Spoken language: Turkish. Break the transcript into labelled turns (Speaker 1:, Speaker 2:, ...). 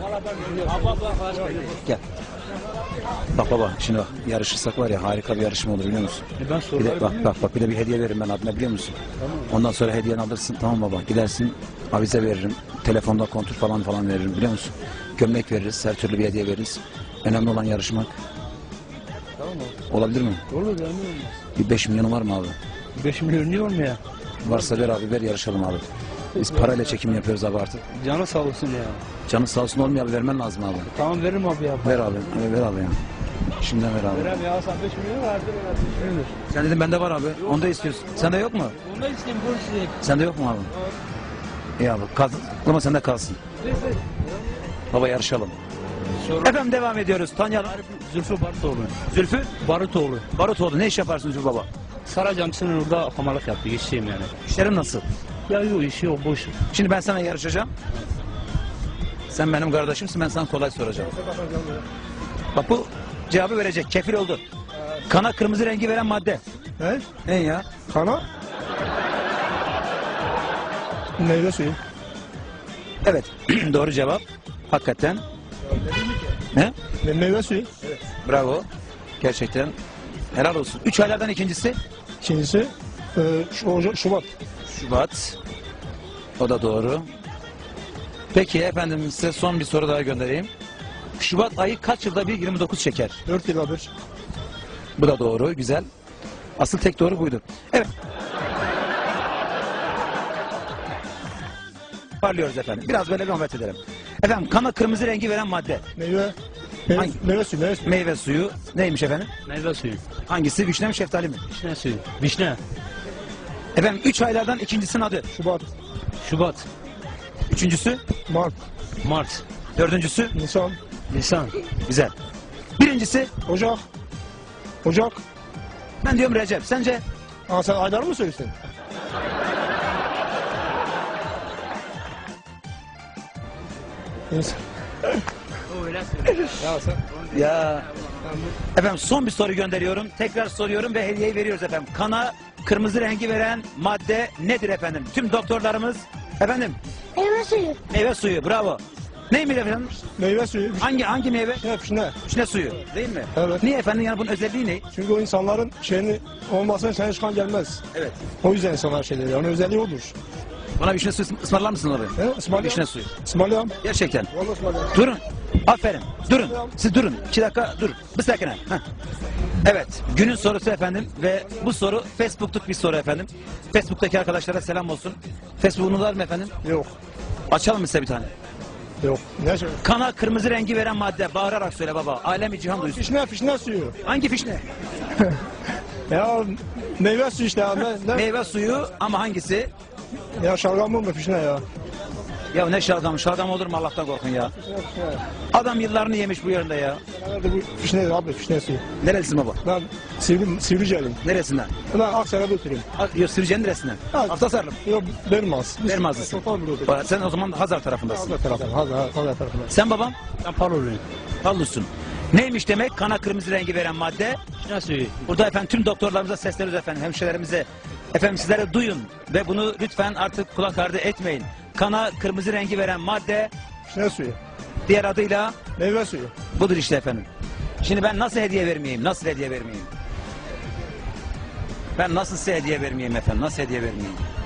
Speaker 1: Gel. Bak baba, şimdi bak, yarışırsak var ya, harika bir yarışma olur, biliyor musun? Bir de, bak bir de bir hediye veririm ben abime, biliyor musun? Ondan sonra hediyeni alırsın, tamam baba, gidersin avize veririm, telefonda kontur falan veririm, biliyor musun? Gömlek veririz, her türlü bir hediye veririz. Önemli olan yarışmak.
Speaker 2: Tamam mı?
Speaker 1: Olabilir mi?
Speaker 2: Olur yani olmaz.
Speaker 1: Bir 5 milyonu var mı abi?
Speaker 2: 5 milyon niye olmuyor?
Speaker 1: Varsa ver abi, ver, yarışalım abi. Biz parayla çekim yapıyoruz abi artık.
Speaker 2: Canı sağ olsun ya.
Speaker 1: Canın sağ olsun, olmuyor abi, vermen lazım abi.
Speaker 2: Tamam veririm abi ya.
Speaker 1: Ver abi, ver abi ya. Şimdiden ver abi.
Speaker 2: Verem ya, sen 5 milyon verdin, 5 milyon.
Speaker 1: Sen dedin bende var abi, onu da istiyorsun. Sende yok mu?
Speaker 2: Onu da isteyeyim, bunu isteyeyim.
Speaker 1: Sende yok mu abi? İyi abi, ama sende kalsın. Baba yarışalım. Efendim devam ediyoruz, tanıyalım.
Speaker 2: Zülfü Barutoğlu.
Speaker 1: Zülfü
Speaker 2: Barutoğlu.
Speaker 1: Barutoğlu, ne iş yaparsın Zülfü baba?
Speaker 2: Saracamsının orada hamalık yaptı, işçiyim yani.
Speaker 1: İşlerin nasıl?
Speaker 2: Ya yok, işi yok, boş.
Speaker 1: Şimdi ben sana yarışacağım. Sen benim kardeşimsin, ben sana kolay soracağım. Bak bu cevabı verecek, kefil oldu. Kana kırmızı rengi veren madde.
Speaker 3: Ne?
Speaker 1: Ne ya?
Speaker 3: Kana? Meyve suyu.
Speaker 1: Evet, doğru cevap. Hakikaten. Ne?
Speaker 3: Meyve suyu.
Speaker 1: Bravo. Gerçekten. Helal olsun. 3 aylardan ikincisi?
Speaker 3: İkincisi Şubat.
Speaker 1: Şubat. O da doğru. Peki efendim, size son bir soru daha göndereyim. Şubat ayı kaç yılda bir 29 çeker?
Speaker 3: 4 yılda bir.
Speaker 1: Bu da doğru, güzel. Asıl tek doğru buydu. Evet. Parlıyoruz efendim. Biraz böyle bir muhabbet edelim. Efendim, kana kırmızı rengi veren madde.
Speaker 3: Meyve
Speaker 1: Hangi?
Speaker 3: meyve suyu. Meyve suyu.
Speaker 1: Meyve suyu. Neymiş efendim?
Speaker 2: Meyve suyu.
Speaker 1: Hangisi? Vişne mi, şeftali mi?
Speaker 2: Vişne suyu. Vişne.
Speaker 1: Efendim, 3 aylardan ikincisinin adı.
Speaker 3: Şubat.
Speaker 2: Şubat.
Speaker 1: Üçüncüsü?
Speaker 3: Mart.
Speaker 2: Mart.
Speaker 1: Dördüncüsü?
Speaker 3: Nisan.
Speaker 2: Nisan.
Speaker 1: Güzel. Birincisi?
Speaker 3: Ocak. Ocak.
Speaker 1: Ben diyorum Recep. Sence?
Speaker 3: Aa, sen aylar mı söylüyorsun? Nisan.
Speaker 2: Ya sen.
Speaker 1: Ya. Efendim, son bir soru gönderiyorum. Tekrar soruyorum ve hediyeyi veriyoruz efendim. Kana kırmızı rengi veren madde nedir efendim? Tüm doktorlarımız efendim.
Speaker 4: Meyve suyu.
Speaker 1: Meyve suyu. Bravo. Neymiş efendim?
Speaker 3: Meyve suyu.
Speaker 1: Hangi meyve?
Speaker 3: Vişne.
Speaker 1: Vişne suyu. Değil mi?
Speaker 3: Evet.
Speaker 1: Niye efendim? Yani bunun özelliği ne?
Speaker 3: Çünkü o insanların şeyini olmazsa sana çıkan gelmez.
Speaker 1: Evet.
Speaker 3: O yüzden insanlar şeyleri. Onun özelliği odur.
Speaker 1: Bana vişne suyu ısmarlar mısın abi?
Speaker 3: He? İsmail
Speaker 1: Vişne suyu.
Speaker 3: İsmail
Speaker 1: Gerçekten.
Speaker 3: Vallahi İsmail
Speaker 1: Durun. Aferin. Durun. Siz durun. 2 dakika dur. Bir sakine. Evet. Günün sorusu efendim ve bu soru Facebook'luk bir soru efendim. Facebook'taki arkadaşlara selam olsun. Facebook'unu var mı efendim?
Speaker 3: Yok.
Speaker 1: Açalım mı size bir tane?
Speaker 3: Yok. Ne şey?
Speaker 1: Kana kırmızı rengi veren madde. Bağırarak söyle baba. Alemi cihan duysun.
Speaker 3: Fişne suyu.
Speaker 1: Hangi fişne?
Speaker 3: Ya meyve suyu işte ya. Ne?
Speaker 1: Meyve suyu ama hangisi?
Speaker 3: Ya şalgam mı fişne ya?
Speaker 1: Ya ne şalgam? Şalgam olur mu, Allah'tan korkun ya. Adam yıllarını yemiş bu yerinde ya.
Speaker 3: Nerede bu fişne abi fişne suyu.
Speaker 1: Nerelisin baba?
Speaker 3: Ben Sivriceliyim.
Speaker 1: Neresinden?
Speaker 3: Ben Aksaray'da oturuyorum.
Speaker 1: Yok, Sürüce'nin neresinden?
Speaker 3: Evet.
Speaker 1: Haftasarlı.
Speaker 3: Yok Dermaz.
Speaker 1: Dermazlısın.
Speaker 3: Total burada oturuyorum.
Speaker 1: Sen o zaman Hazar tarafındasın.
Speaker 3: Hazar tarafından. Hazar tarafından.
Speaker 1: Sen babam?
Speaker 2: Ben paroluyum.
Speaker 1: Pallusun. Neymiş demek? Kana kırmızı rengi veren madde.
Speaker 2: Vişne suyu.
Speaker 1: Burada efendim tüm doktorlarımıza sesleniyoruz efendim, hemşirelerimize. Efendim sizlere duyun ve bunu lütfen artık kulak ardı etmeyin. Kana kırmızı rengi veren madde,
Speaker 3: Fişne suyu.
Speaker 1: diğer adıyla
Speaker 3: Meyve suyu.
Speaker 1: budur işte efendim. Şimdi ben nasıl hediye vermeyeyim? Nasıl hediye vermeyeyim? Ben nasıl size hediye vermeyeyim efendim? Nasıl hediye vermeyeyim?